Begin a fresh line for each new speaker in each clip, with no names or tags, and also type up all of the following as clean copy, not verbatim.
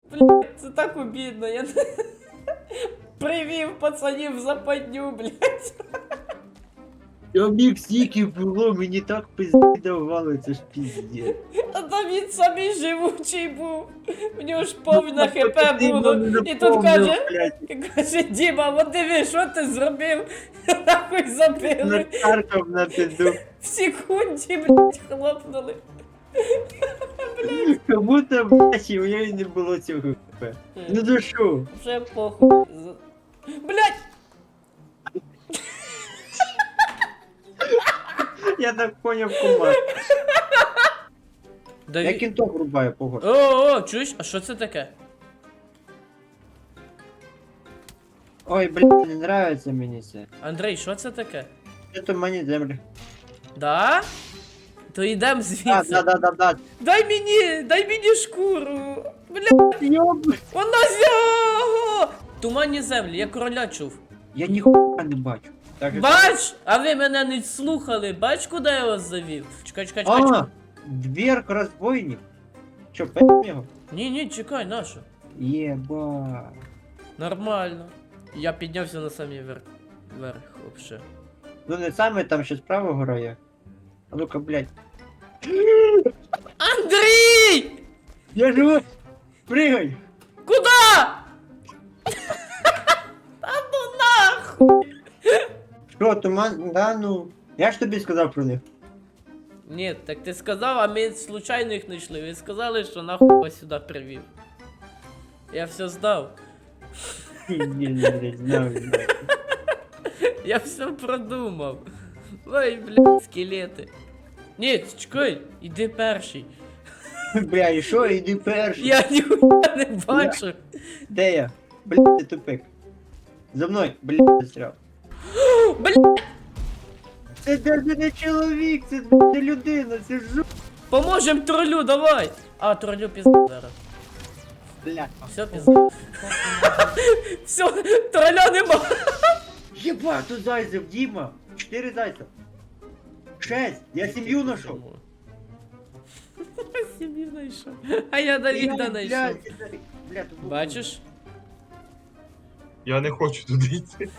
Блядь, це так обідно, я привів пацанів в западню, блядь.
Обіг стільки було, мені так пизди давали, це ж піздє.
А там він самий живучий був. В нього ж повне хп було. І тут каже, Діма, от диви, що ти зробив? Нахуй забили.
Накаркав на пизду.
В секунді, блядь, хлопнули.
Как будто, блядь, у мене не було цього хп. Ну за що?
Вже похуй. Блядь!
Я так поняв команд. Я
Даві...
кінтов рубаю, погодь.
О, чуєш? А що це таке?
Ой, блядь, не нравится мені це.
Андрій, що це таке?
Это мені землі.
Да? То йдем звідси.
Да.
Дай мені шкуру. Блядь,
Йоб.
вона зього! Туманні землі, я короля чув.
Я ніхуя не бачу. Так,
Бач! А ви мене не слухали. Бач, куди я вас завів? Чекай.
А, дверка розбойник. Чо, п'ять його?
Ні, чекай, нащо?
Єба.
Нормально. Я піднявся на самий верх, вообще.
Ну не саме там ще справа гора є. А ну-ка, блядь.
Андрій!
Я живу! Пригай!
Куда? Та ну нахуй!
Що, туман? Да, ну. Я ж тобі сказав про них.
Ні, так ти сказав, а ми случайно їх знайшли. Ви сказали, що нахуй вас сюди привів. Я все здав.
Ні, блядь, знаю.
Я все продумав. Ой, блядь, скелети. Ні, чекай, іди перший.
Бля, і що, іди перший.
Я ніхуя не бачу.
Де я? Блядь, ти тупик. За мною, блядь, застряв.
Блядь,
Це даже не чоловік, це не людина, це жу...
поможем тролю, давай. А, тролю пізда зараз.
Блядь.
Все, пізда. Все, троля нема.
Єба, тут зайцев, Діма. 4 зайця. 6, я сім'ю знайшов.
Сім'ю знайшов. А я Давіда знайшов.
Блядь, тут
Бачиш?
Я не хочу туди йти.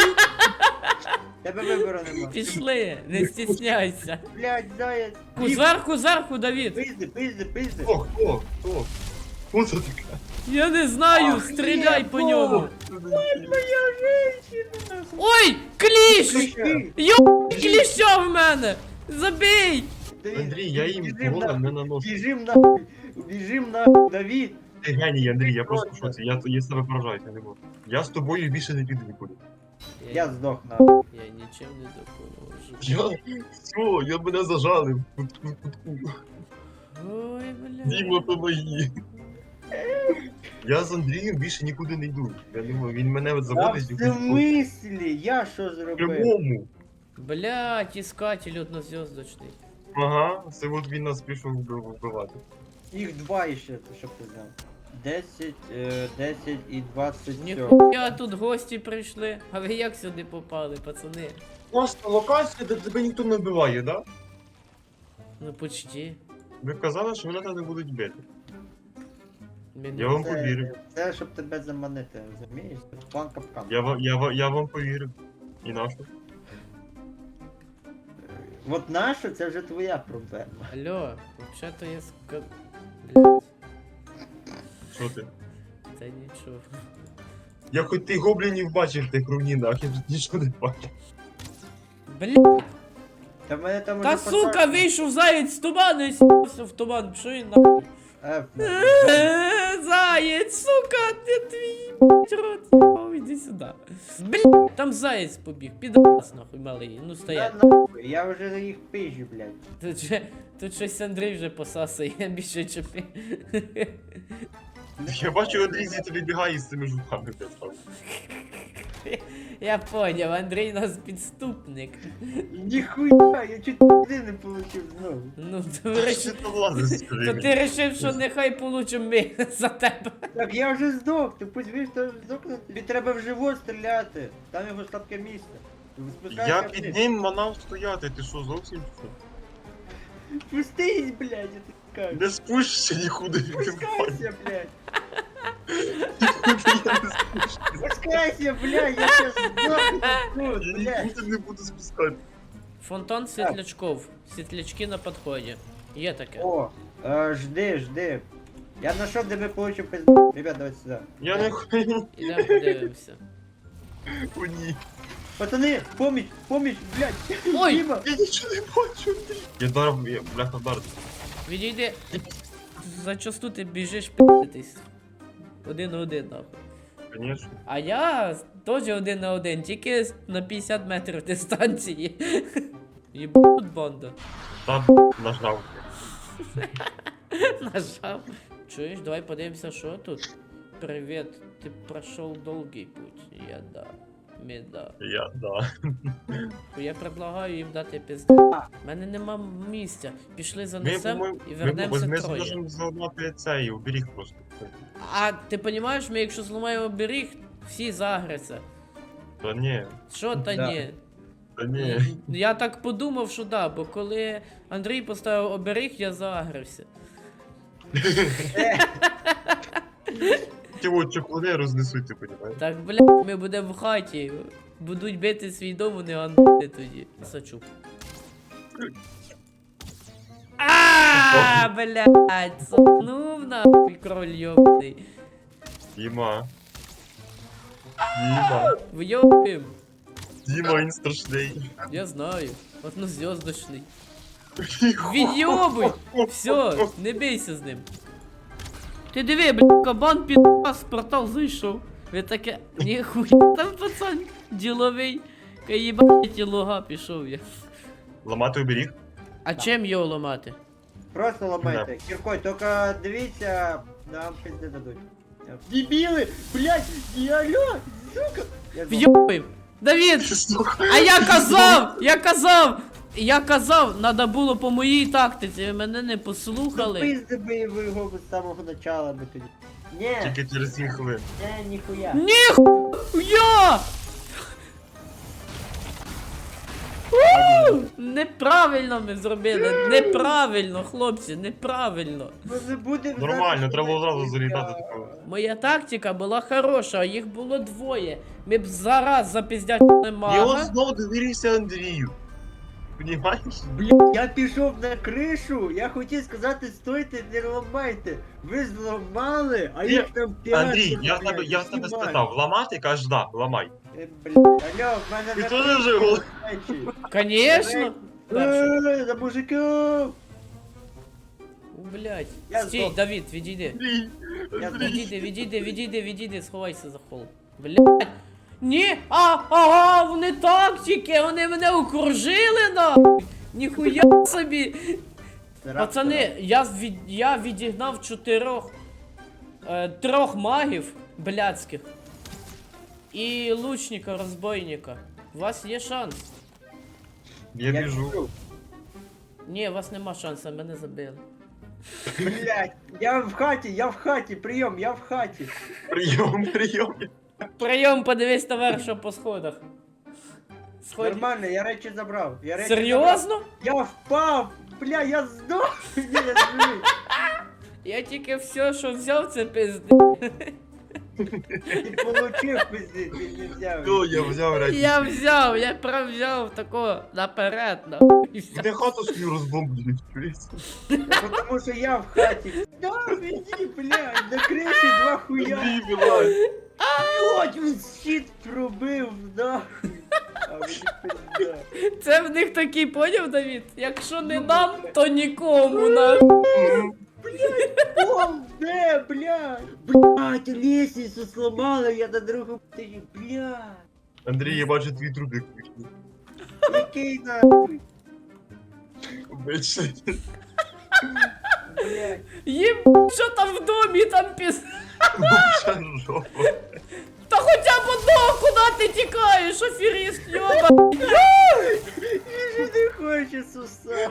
Тебе вибору нема.
Пішли, не стісняйся.
Блядь, заяць.
Зверху, Давід.
Пизди.
Хто? Хто це таке?
Я не знаю,
Ах,
стріляй по
єбо!
ньому.
Моя женщина.
Ой, кліщ!
Кліща.
Йо, кліща в мене! Забій!
Андрій, я їм голом не наношу.
Біжим нахуй, Давід.
Ти геній, Андрій, я просто в шоці. Я себе поражаю, я не можу. Я з тобою більше не піду нікуди.
Я здох нахуй.
Я нічим не допоможу.
Я мене зажали.
Ой, бля.
Діма, помоги. Я з Андрієм більше нікуди не йду. Я думаю, він мене от
Та в
заводить в
смислі? Я що зробив?
прямому.
Блядь, іскатель однозв'язочний.
Ага, це от він нас пішов вбивати.
Їх 2 іще, щоб ти знав. 10 і 27.
Ніхуя тут гості прийшли. А ви як сюди попали, пацани?
Просто локація, де тебе ніхто не вбиває, да?
Ну почти.
Ви казали, що мене там не будуть бити.
Мене-
Я вам повірив.
Це щоб тебе заманити, розумієш? Це план капкан.
Я вам повірив. І нашу.
От наша, це вже твоя проблема.
Алло, взагалі-то я Блядь,
Що ти?
це нічого.
Я хоч ти гоблінів бачив в тих руїнах, я тут нічого не бачив.
Блядь,
Та в мене там
та
уже
сука,
посадка.
вийшов заєць з туману і с***ся в туман. Що він нахуй? Заєць, сука, ти твій блядь, рот їбав, іди сюди. Блядь, там заєць побіг, підрас нахуй малий, ну стоять.
Та нахуй, я вже їх пижу, блядь.
Тут щось Андрій вже посасує, більше чепи.
Я бачу, Андрій звідти вибігає з цими жуками.
Я поняв, Андрій нас підступник.
Ніхуя, я чуть туди не получив знову.
Ну,
Що
речі,
ти лазиш, скажи
то
мені?
ти рішив, що нехай получимо ми за тебе.
Так я вже здох, ти пусть вийш, то здохне. Тобі треба в живот стріляти. Там його слабке місце. Спускайся
Я
вниз.
під ним манав стояти, ти що, зовсім що?
Пустись, блядь, я тобі кажу.
Не спущся нікуди.
Спускайся, блядь. спускайся, блядь, я сейчас сдохну тут,
Я
блядь.
нікуди не буду спускати.
Фонтан світлячков. Світлячки на підході. Є таке.
О, жди. Я нашел, где мы получим пизду. Ребят, давайте сюда.
Я не хочу.
Ідемо подивимося.
О, ні.
Пацаны, помощь, блядь.
Ой!
Дима.
Я нічого не бачу, Андрій. Я вдарив, я, бляха, вдарив.
Відійди. Зачасту ти біжиш пи***тись. 1-1 нахуй.
Конечно.
А я теж 1-1, тільки на 50 метрів дистанції. Єбут банда.
Та нажав.
Нажав. Чуєш, давай подивимося, що тут. Привіт, ти пройшов довгий путь. Я да. Меда.
Я, да.
Я предлагаю їм дати пизду. У мене нема місця. Пішли занесем
по-моєму,
і вернемося
ми
троє.
зможемо зламати цей оберіг просто.
А ти розумієш, ми якщо зламаємо оберіг, всі загряться.
Та ні,
Що та
Да.
ні?
та ні.
Я так подумав, що да, бо коли Андрій поставив оберіг, я загрився.
Ті от чохлини рознесуть, ти понімаєш?
Так, бля, ми будемо в хаті. Будуть бити свій дом, вони андити тоді. Сачук. А, блядь, сопнув нахуй кроль йобаний.
Діма. Діма.
Вйобим.
Діма, він страшний.
Я знаю. Однозв'язочний. Відйобуй! Все, не бійся з ним. Ти диви, бля, кабан підпас, портал зайшов. Ви таке, ніхуя там пацан діловий. Каїбать луга пішов я.
Ламати оберіг?
А чим його ламати?
Просто ломайте. Киркой, только дивіться, нам пизды дадуть. Дебилы, блядь, алло, сука. Я знаю.
Вйобуй! Давід! А я казав, надо було по моїй тактиці, ви мене не послухали.
Пизди би його з самого начала би тоді. Не,
Тільки через 7 хвилин.
ніхуя.
Ніхуя! Неправильно ми зробили, неправильно, хлопці, неправильно.
Ми не будемо
Нормально,
зараз
треба одразу
ніхуя.
залітати такого.
Моя тактика була хороша, а їх було двоє. Ми б зараз запіздячили
І он
мага.
знову довірився Андрію. Понімаєш?
Бля, я пішов на кришу, я хотів сказати, стойте, не ламайте. Ви зламали, а їх там 5.
Андрій, я в тебе спитав, ламати? Кажеш, да, ламай.
Блядь, алло, в мене
Ти
на
теж
криші
вже гол-
речі.
Конечно.
За мужиків!
Блять.
Я
Стій,
здох.
Давід, відійди.
Андрій,
Я
Андрій.
Відійди, сховайся за холм. Блять. Ні, ага, вони тактики, вони мене окружили нахуй. Ніхуя собі. Пацани, я відігнав трьох магів блядських. І лучника, розбойника. У вас є шанс.
Я біжу.
Ні, у вас нема шансу, мене забили.
Блять, я в хаті, прийом, я в хаті.
Прийом.
Прийом, подивись товариша по сходах. Сході.
Нормально, я речі забрав.
Серйозно?
Я впав! Бля, я здох! Ні, я живий.
Я тільки все, що взяв, це пизди.
Ти получив пизди, ти не взяв.
То я взяв речі.
Я прям взяв тако наперед, нахуй. І все.
Де хату свою розбомблюють, чуєш?
Потому що я в хаті. Да, иди, блядь, на криші два хуя.
Андрій, вилазь.
От він щит пробив, нахуй. А мені пизда.
Це в них такий поняв, Давід? Якщо не нам, то нікому нахуй.
Пол, де, блядь? Блядь, лестницю сломали, я на другому тижні, блядь.
Андрій, я бачу твій трубик.
Який нахуй,
Обичний.
блядь.
Їм, що там в домі, там піс...
Вообще жопа.
Та хоча б одного, куди ти тікаєш, аферіст, йоба.
Він же не хоче суса.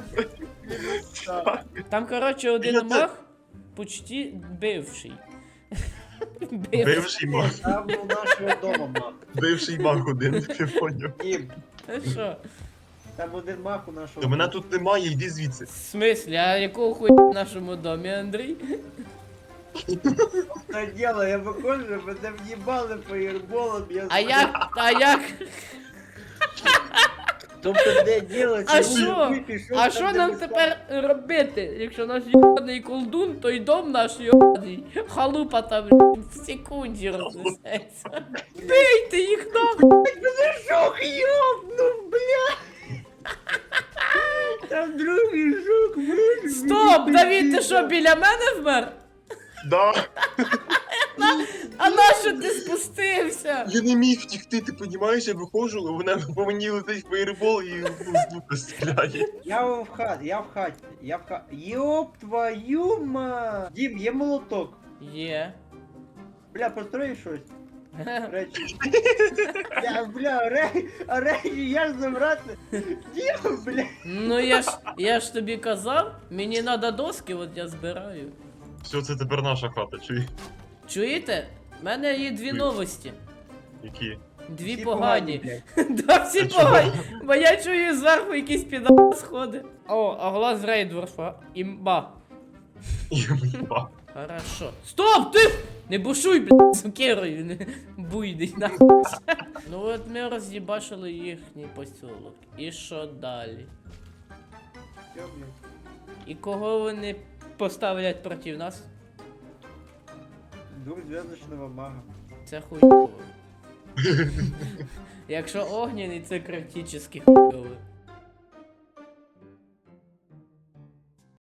Там, коротше,
Я
один
це-
маг, почти бивший.
Бивший маг.
Там у нашого дома мах.
Бивший маг один, ти поняв.
Дім,
Та що?
там один мах у нашого
То мене
дома.
тут немає, йди звідси.
В смислі, а якого хуя в нашому домі, Андрій?
Та діло, я виходжу, мене в'їбали фаєрболом, я
А як?
Тобто де діло,
А
ці
що?
хуй пішов
А
там,
що
де
нам
ми
тепер робити? Якщо наш йобаний колдун, то й дом наш йобаний. Халупа там в секунді рознесеться. Бийте їх нахуй!
Жук ёбнув, бля! Там другий жук вижив.
Стоп! Давід, ти що, біля мене вмер?
Да.
А нащо ти спустився?
Я не міг втікти, ти понімаєш, я виходжу, а вона по мені летить фаєрбол і ну, з лука стріляє.
Я в хаті. Ёб твою ма! Дім, є молоток.
Є.
Бля, построї щось. Речі. Речі, я ж забрати. Дім, бля.
Ну я ж тобі казав, мені треба доски, от я збираю.
Все, це тепер наша хата, чуй.
Чуєте? У мене є дві новості.
Які?
Дві
Всі
погані.
блядь.
Да, всі
А чого?
погані. Бо я чую зверху якийсь піда сходи. О, а глаз Рейдворфа. Імба.
Єба.
Хорошо. Стоп, ти! Не бушуй, блядь, сукерою, не буйний нахуй. Ну от ми роз'їбашили їхній посілок. І що далі?
Всё, блядь.
І кого вони поставлять проти нас?
Двухзвездочного мага.
Це хуйово. Якщо огняний, це критично хуйово.